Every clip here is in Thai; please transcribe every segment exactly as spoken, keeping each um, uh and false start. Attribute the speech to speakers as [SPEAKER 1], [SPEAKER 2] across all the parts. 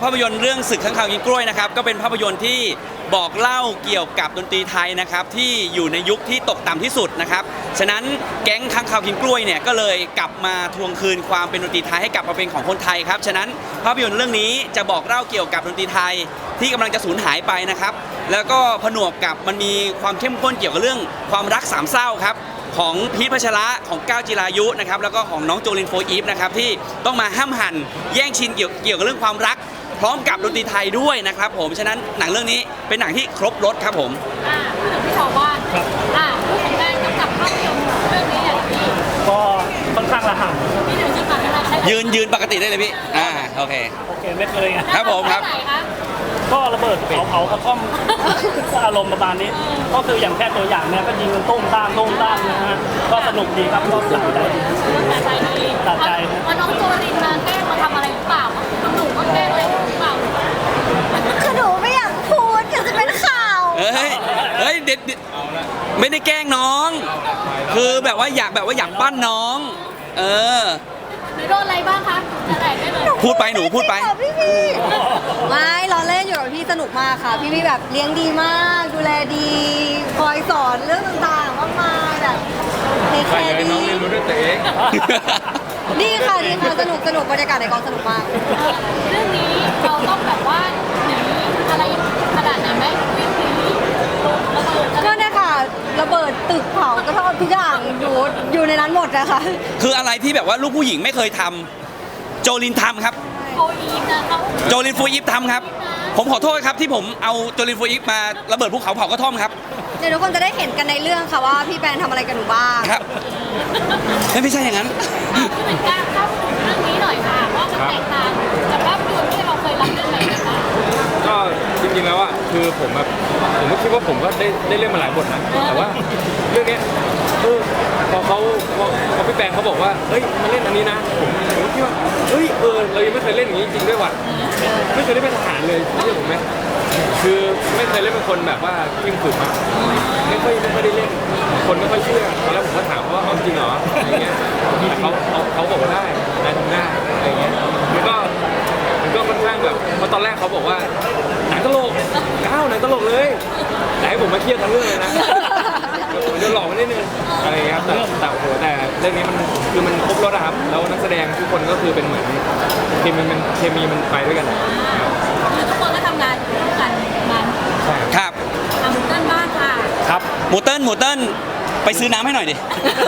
[SPEAKER 1] ภาพยนตร์เรื่องศึกข้างคาวกินกล้วยนะครับก็เป็นภาพยนตร์ที่บอกเล่าเกี่ยวกับดนตรีไทยนะครับที่อยู่ในยุคที่ตกต่ำที่สุดนะครับฉะนั้นแก๊งข้างคาวกินกล้วยเนี่ยก็เลยกลับมาทวงคืนความเป็นดนตรีไทยให้กลับมาเป็นของคนไทยครับฉะนั้นภาพยนตร์เรื่องนี้จะบอกเล่าเกี่ยวกับดนตรีไทยที่กำลังจะสูญหายไปนะครับแล้วก็ผนวกกับมันมีความเข้มข้นเกี่ยวกับเรื่องความรักสามเศร้าครับของพีทพัชระของก้าวจิรายุนะครับแล้วก็ของน้องโจลินโฟอีฟนะครับที่ต้องมาห้ามหันแย่งชิงเกี่ยวเกี่ยวกับเรื่องความรักพร้อมกับดนตรีไทยด้วยนะครับผมฉะนั้นหนังเรื่องนี้เป็นหนังที่ครบรสครับผม
[SPEAKER 2] อ่าพูดถึงพี่ชาวบ้านอ่าพูดถึงการกำกับภาพยนตร์เรื่องนี้อย่างที่
[SPEAKER 3] ก็ค่อนข้างระห่ำ
[SPEAKER 2] พี่หนึ่งจะฝากอะไรให้
[SPEAKER 1] ยืนยืนปกติได้เลยพี่อ่าโอเค
[SPEAKER 3] โอเคไม่เคยไง
[SPEAKER 1] ครับผมครับ
[SPEAKER 3] ก็ระเบิดเผาเผากระท่อมอารมณ์ประมาณนี้ก็คืออย่างแค่ตัวอย่างเนี่ยก็ยิงกันตุ้มต้ามตุ้มต้ามนะฮะก็สนุกดีครับก็สนุกใจ
[SPEAKER 2] ตัดใจดี
[SPEAKER 3] ตัดใจ
[SPEAKER 2] ว่าน้องโจลินมาแกล้งมาทำอะไรหรือเปล่าหนูก็แกล้งอะไรหรือเปล่า
[SPEAKER 4] คือหนูไม่อยากพูดเดี๋ยวจะเป็นข่าว
[SPEAKER 1] เฮ้ยเฮ้ยเด็ดไม่ได้แกล้งน้องคือแบบว่าอยากแบบว่าอยากปั้นน้องเออ
[SPEAKER 2] หนูโดนอะไรบ้างคะอะไรได้เลย
[SPEAKER 1] พูดไปหนูพูดไป
[SPEAKER 4] พี่พี่ไม่ล้อเล่นอยู่กับพี่สนุกมากค่ะพี่พี่แบบเลี้ยงดีมากดูแลดีคอยสอนเรื่องต่างๆมากมายแบบเทคแคร์ดีน้องเรียนรู้ด้วยตัวเองดีค่ะดีค่ะสนุกสนุกบรรยากาศในกองสนุกมาก
[SPEAKER 2] เรื่องนี้เราต้องแบบว่าหนีอะไรขนาดไหนไหมวิ่งหนี
[SPEAKER 4] ก็เนี่ยค่ะระเบิดตึกเผากระท่อมทุกอย่างอยู่อยู่ในนั้นหมดนะคะ
[SPEAKER 1] คืออะไรที่แบบว่าลูกผู้หญิงไม่เคยทำโจลินทำครับ
[SPEAKER 2] โฟอีฟนะเขา
[SPEAKER 1] โจลินฟูอีฟทำครับผมขอโทษครับที่ผมเอาโจลินฟูอีฟมาระเบิดภูเขาเผากระท่อมครับ
[SPEAKER 4] เดี๋ยวทุกคนจะได้เห็นกันในเรื่องค่ะว่าพี่แปนทำอะไรกันหนูบ้าง
[SPEAKER 1] ครับไม่ใช่อย่างนั้น
[SPEAKER 2] คือเป็นการเข้าถึงเรื่องนี้หน่อยค่ะว่ามันแตกต่างจากภาพยนตร์ที่เราเคยรับเรื่องไหนคะ
[SPEAKER 5] ก็จริงๆแล้วอ่ะคือผมแบบผมก็คิดว่าผมก็ได้ได้เล่นมาหลายบทนะแต่ว่าเรื่องนี้เออพอเขาพอพอพี่แปงเขาบอกว่าเฮ้ยมาเล่นอันนี้นะผมผมก็คิดว่าเฮ้ยเออเรายังไม่เคยเล่นอย่างนี้จริงด้วยว่ะไม่เคยได้เป็นทหารเลยเชื่อผมไหมคือไม่เคยเล่นเป็นคนแบบว่ายิ่งฝึกมาไม่ค่อยไม่ค่อยได้เล่นคนไม่ค่อยเชื่อตอนแรกผมก็ถามว่าเอาจริงเหรออะไรเงี้ยแต่เขาเขาเขาบอกว่าได้ได้ทำได้อะไรเงี้ยมันก็มันก็ค่อนข้างแบบเพราะตอนแรกเขาบอกว่าหนังตลกก้าวหนังตลกเลยแต่ให้ผมมาเครียดทั้งเรื่องเลยนะผมจะหลอกมันนิดนึงอะไรเงี้ยครับแต่แต่โหแต่เรื่องนี้มันคือมันครบรสครับแล้วนักแสดงทุกคนก็คือเป็นเหมือนเคมีมันเคมีมันไปด้วยกัน
[SPEAKER 2] คือทุกคนก็ทำงานร่วมกันมัน
[SPEAKER 1] ครับ
[SPEAKER 2] ทำหมูเติ้ลบ้างค่ะ
[SPEAKER 1] ครับหมูเติ้ลหมูเติ้ลไปซื้อน้ำให้หน่อยดิ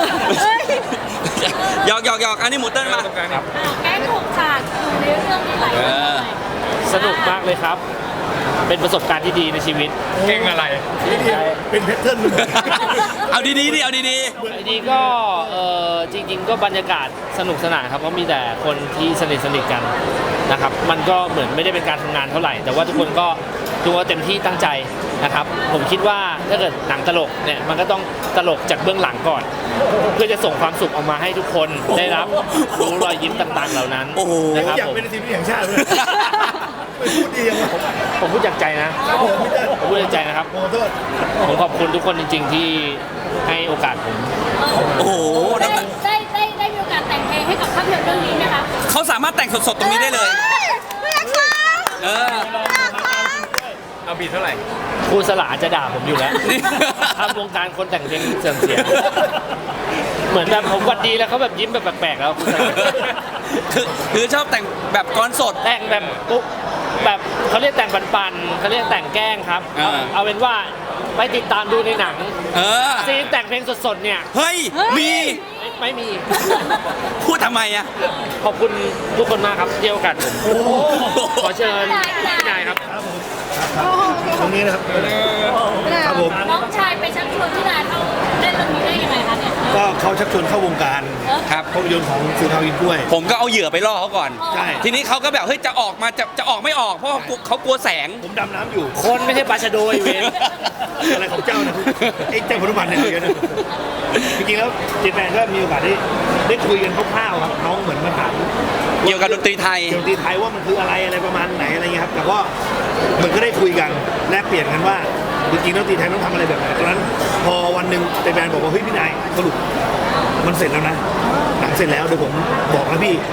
[SPEAKER 1] หยอกหยอกหยอกอันนี้หมูเติ้ลมา
[SPEAKER 2] แก้ถูกฉากอยู่ในเรื่องนี้หลาย
[SPEAKER 3] สนุกมากเลยครับเป็นประสบการณ์ที่ดีในชีวิต
[SPEAKER 5] เก่งอะไร
[SPEAKER 3] เป็นแพทเทิร์น
[SPEAKER 1] เอาดีๆดิเอาดี
[SPEAKER 3] ๆดีก็เออจริงๆก็บรรยากาศสนุกสนานครับเพราะมีแต่คนที่สนิทสนิทกันนะครับมันก็เหมือนไม่ได้เป็นการทำงานเท่าไหร่แต่ว่าทุกคนก็ทุกคนเต็มที่ตั้งใจนะครับผมคิดว่าถ้าเกิดหนังตลกเนี่ยมันก็ต้องตลกจากเบื้องหลังก่อนเพื่อจะส่งความสุขออกมาให้ทุกคนได้รับรู้รอยยิ้มต่างๆเหล่านั้น
[SPEAKER 1] นะครับ
[SPEAKER 3] ผม
[SPEAKER 6] อยากเป็นทีมแห่งชาติเลยไม่พูดดียังผม
[SPEAKER 3] ผมพูดจากใจนะผมพูดจากใจนะครับผมขอบคุณทุกคนจริงๆที่ให้โอกาสผม
[SPEAKER 1] โอ้โห
[SPEAKER 2] ได้ได้ได้ได้มีโอกาสแต่งเพลงให้กับภาพยนตร์เรื่องนี้ไหมคะ
[SPEAKER 1] เขาสามารถแต่งสดๆตรงนี้ได้เลยเออ
[SPEAKER 5] เอาบีทเท่าไหร่
[SPEAKER 3] ครูสลาจะด่าผมอยู่แล้วทำวงการคนแต่งเพลงเสื่อมเสียเหมือนแบบผมวัดดีแล้วเขาแบบยิ้มแบบแปลกๆแล้วครูสลา
[SPEAKER 1] คือคือชอบแต่งแบบก้อนสด
[SPEAKER 3] แต่งแบบปุ๊บแบบเขาเรียกแต่งปันๆเขาเรียกแต่งแกล้งครับเอาเป็นว่าไปติดตามดูในหนังซีนแต่งเพลงสดๆเนี่ย
[SPEAKER 1] เฮ้ยมี
[SPEAKER 3] ไม่มี
[SPEAKER 1] พูดทำไมอ่ะ
[SPEAKER 3] ขอบคุณทุกคนมากครับที่ให้โอกาสผมขอเชิญพี่นายครับ
[SPEAKER 6] ตรงนี้นะครับครับผม
[SPEAKER 2] น้องชายไปชักชวนพี่นายเข้าเล่นเรื่องนี้ได้ยังไงคะเนี่ย
[SPEAKER 6] ก็เขาชักชวนเข้าวงการ
[SPEAKER 1] ครับ
[SPEAKER 6] ภาพยนตร์ของสื่อข่าวกินกล้วย
[SPEAKER 1] ผมก็เอาเหยื่อไปล่อเขาก่อน
[SPEAKER 6] ใช่
[SPEAKER 1] ทีนี้เขาก็แบบเฮ้ยจะออกมาจะจะออกไม่ออกเพราะเขากลัวแสง
[SPEAKER 6] ผมดำน้ำอยู่
[SPEAKER 3] คนไม่ใช่ปลาชะโดยเวน
[SPEAKER 6] อะไรของเจ้านะไอ้เจ้าพนุพันธ์เนี่ยเยอะนะจริงๆแล้วเจแปนก็มีโอกาสได้ได้คุยกันคร่าวๆครับน้องเหมือนมาถาม
[SPEAKER 1] เกี่ยวกับดนตรีไทย
[SPEAKER 6] เกี่ยวกับดนตรีไทยว่ามันคืออะไรอะไรประมาณไหนอะไรเงี้ยครับแต่ก็เหมือนก็ได้คุยกันแลกเปลี่ยนกันว่าจริงๆแล้วดนตรีไทยต้องทำอะไรแบบไหนตอนนั้นพอวันหนึ่งเจแปนบอกว่าเฮ้ยพี่นายสรุปมันเสร็จแล้วนะหนังเสร็จแล้วเดี๋ยวผมบอกนะพี่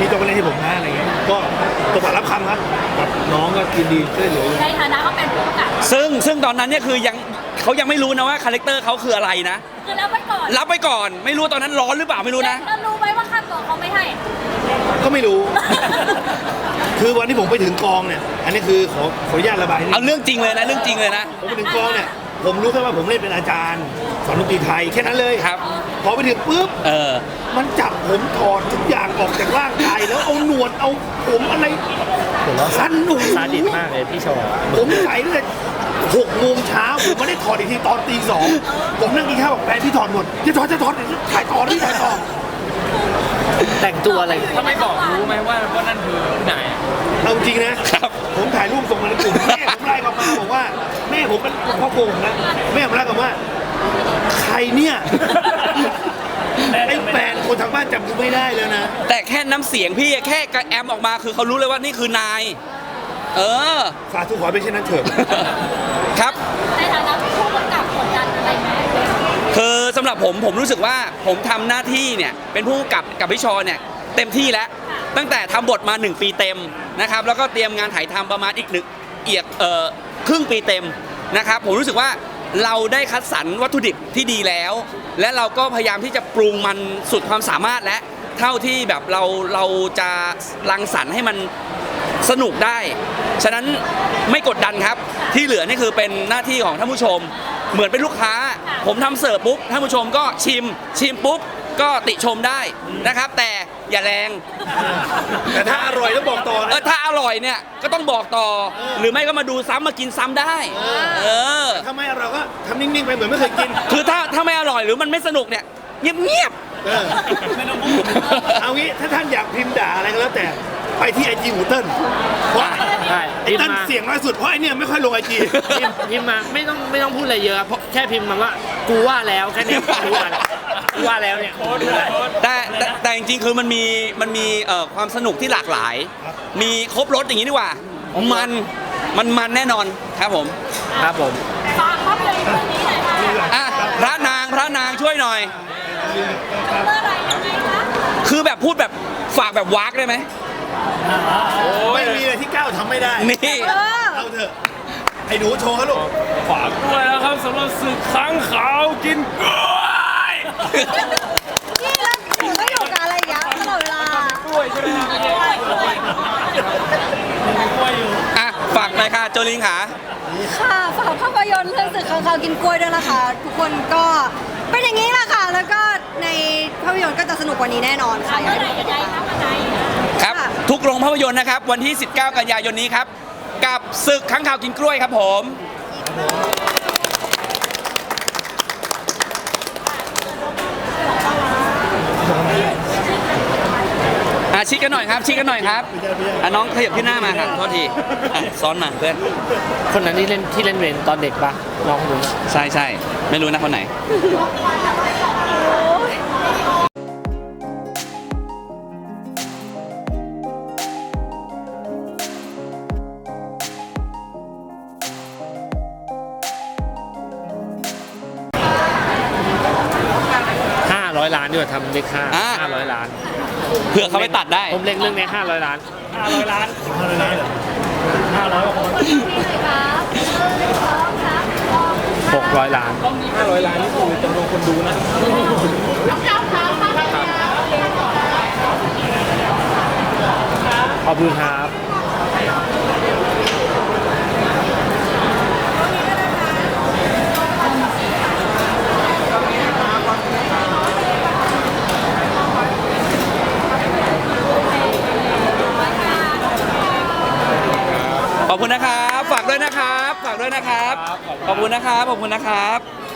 [SPEAKER 6] พี่ต้องไปเล่นให้ผมนะอะไรเงี้ยก็ตบปากรับคำครับกับน้องก็ยินดีช่วยเหลืออยู่
[SPEAKER 2] ในฐานะเขาเป็นผู้กำกับ
[SPEAKER 1] ซึ่งซึ่งตอนนั้นเนี่ยคือยังเขายังไม่รู้นะว่าคาแรคเตอร์เขาคืออะไรนะ
[SPEAKER 2] คือรับไว้ก่อน
[SPEAKER 1] รับไปก่อนไม่รู้ตอนนั้นร้อนหรือเปล่าไม่รู้นะ
[SPEAKER 2] แล้วรู้ไหมว่าค่าตัวเขาไม่ให้
[SPEAKER 6] ก็ไม่รู้ คือวันที่ผมไปถึงกองเนี่ย อันนี้คือขอขออนุญาตระบายนิดนึ
[SPEAKER 1] เอา
[SPEAKER 6] ง
[SPEAKER 1] เรื่องจริงเลยนะเรื่องจริงเลยนะ
[SPEAKER 6] ผมไปถึงกองเนี่ย ผมรู้แค่ว่าผมเล่นเป็นอาจารย์สอนดนตรีไทยแค่นั้นเลย
[SPEAKER 1] ครับ
[SPEAKER 6] พอไปถึงปุ๊บ
[SPEAKER 1] เออ
[SPEAKER 6] มันจับผมถอดทุกอย่างออกจากร่างกายแล้วเอาหนวดเอาผมอะไรสั้นหนุ่ม
[SPEAKER 3] ซาดิสมากเลยพี่โชว์
[SPEAKER 6] ผมใส่ตั้งแต่หกโมงเช้าผมไม่ได้ถอดอีกทีตอนตีสองผมนั่งกินข้าวบอกแฟนพี่ถอดหมดจะถอดจะถอดถ่ายต่อที่ถ่ายต่อ
[SPEAKER 3] แต่งตัวอะไร
[SPEAKER 5] ถ้าไม่บอกรู้ไหมว่าว่านั่นคือที่ไหน
[SPEAKER 6] เอาจริงนะครับ ผมถ่ายรูปส่งมาในกลุ่มแม่ผมไล่กลับมาบอกว่าแม่ผมเป็นพ่อโกงนะแม่ผมไล่กลับว่าใครเนี่ยไอ้แฟนคนทางบ้านจำกูไม่ได้แล้วนะ
[SPEAKER 1] แต่แค่น้ำเสียงพี่แค่กระแอมออกมาคือเขารู้เลยว่านี่คือนาย เออ
[SPEAKER 6] สาธุขอให้เป็นเช่นนั้นเถอะ
[SPEAKER 1] ครับ
[SPEAKER 2] ในฐานะผู้กำกับกดดันอะไรไหม
[SPEAKER 1] คือสำหรับผมผมรู้สึกว่าผมทำหน้าที่เนี่ยเป็นผู้กำกับกับพี่ชอเนี่ยเต็มที่แล้ว ตั้งแต่ทำบทมาหนึ่งปีเต็มนะครับแล้วก็เตรียมงานถ่ายทำประมาณอีกหนึ่งเอียกเอ่อครึ่งปีเต็มนะครับผมรู้สึกว่าเราได้คัดสรรวัตถุดิบที่ดีแล้ว และเราก็พยายามที่จะปรุงมันสุดความสามารถและเท่าที่แบบเราเราจะรังสรรค์ให้มันสนุกได้ ฉะนั้นไม่กดดันครับที่เหลือนี่คือเป็นหน้าที่ของท่านผู้ชม เหมือนเป็นลูกค้า ผมทำเสิร์ฟปุ๊บท่านผู้ชมก็ชิม ชิมปุ๊บก็ติชมได้นะครับ แต่อย่าแรง
[SPEAKER 6] แต่ถ้าอร่อยแล้วบอกต่อ
[SPEAKER 1] เอ
[SPEAKER 6] นะ
[SPEAKER 1] อถ้าอร่อยเนี่ยก็ต้องบอกต่อ หรือไม่ก็มาดูซ้ำมากินซ้ำได้ เออ
[SPEAKER 6] ถ้าไม่อร่อยก็ทำนิ่งๆไปเหมือนไม่เคยกิน
[SPEAKER 1] คือถ้าถ้าไม่อร่อยหรือมันไม่สนุกเนี่ยเงียบ
[SPEAKER 6] เออเอางี้ถ้าท่านอยากพิมพ์ด่าอะไรก็แล้วแต่ไปที่ไอจีหมูเติ้ลเพราะ
[SPEAKER 3] ใช่
[SPEAKER 6] ไอเติ้ลเสียงน้อยสุดเพราะไอเนี่ยไม่ค่อยลงไอจี
[SPEAKER 3] พิมพ์พิมพ์มาไม่ต้องไม่ต้องพูดอะไรเยอะเพราะแค่พิมพ์มาว่ากูว่าแล้วแค่นี้กูว่าแล้วกูว่าแล้วเนี่ย
[SPEAKER 1] ๆแต่แต่แต่จริงๆคือมันมีมันมีเอ่อความสนุกที่หลากหลาย มีครบรสอย่างนี้ดีกว่า มันมันมันแน่นอนครับผม
[SPEAKER 3] ครับผม
[SPEAKER 2] ฝากภาพยนตร์เรื่องนี้หน่อยค่ะ
[SPEAKER 1] อ่ะพระนางพระนางช่วยหน่อย
[SPEAKER 2] เมื่อไหรยังไงคะ
[SPEAKER 1] คือแบบพูดแบบฝากแบบวากได้ไหม
[SPEAKER 6] ไม่มีอะไรที่ก้าวทำไม่ได้
[SPEAKER 1] นี่
[SPEAKER 4] เออ
[SPEAKER 6] เอาเถอะไอ้หนูโชว์เขาลูก
[SPEAKER 5] ฝากด้วยนะครับสำหรับศึกค้างขาวกินกล้วย
[SPEAKER 4] นี่แล้วหนูไม่อยู่กับอะไรอย่างเงี้ยตลอดเวลา
[SPEAKER 5] กล้วยใช่ไหมครับไม่ใช่กล้วยกล้วยอยู่
[SPEAKER 1] อ่ะฝากหน่อยค่ะโจลิงค่ะ
[SPEAKER 4] ค่ะฝากภาพยนตร์เรื่องสึกข้างคาวกินกล้วยด้วยนะคะ ทุกคนก็เป็นอย่างนี้แหละค่ะ แล้วก็ในภาพยนตร์ก็จะสนุกกว่านี้แน่นอนค่ะ
[SPEAKER 2] เมื่อไหร่ยังไงคะวันไหน
[SPEAKER 1] ครับ ทุกโรงภาพยนตร์นะครับ วันที่ สิบเก้า กันยายนนี้ครับ กับศึกค้างคาวกินกล้วยครับผม อ่ะชิดกันหน่อยครับชิดกันหน่อยครับอ่ะน้องขยับขึ้นหน้ามาครับโทษทีอ่ะซ้อนมาเพื่อน
[SPEAKER 3] คนนั้นที่เล่นที่เล่นเวรตอนเด็กปะน้องคนนั้น
[SPEAKER 1] ใช่ใช่ไม่รู้นะคนไหน
[SPEAKER 3] ห้าร้อยล้านด้วยทำเลขห้า
[SPEAKER 1] อ่า
[SPEAKER 3] ห้าร้อยล้าน
[SPEAKER 1] เผื่อเขาไปตัดได้
[SPEAKER 3] ผมเล็งเรื่องนี้ห้าร้อยล้าน
[SPEAKER 5] ห้าร้อยล้าน
[SPEAKER 3] หกร้อยล้าน
[SPEAKER 5] ห้าร้อยล้านนี่คือจำนวนคนดูนะ
[SPEAKER 3] ขอบคุณครับ
[SPEAKER 1] ขอบคุณนะครับ ฝากด้วยนะครับ ฝากด้วยนะครับ ขอบคุณนะครับ ขอบคุณนะครับ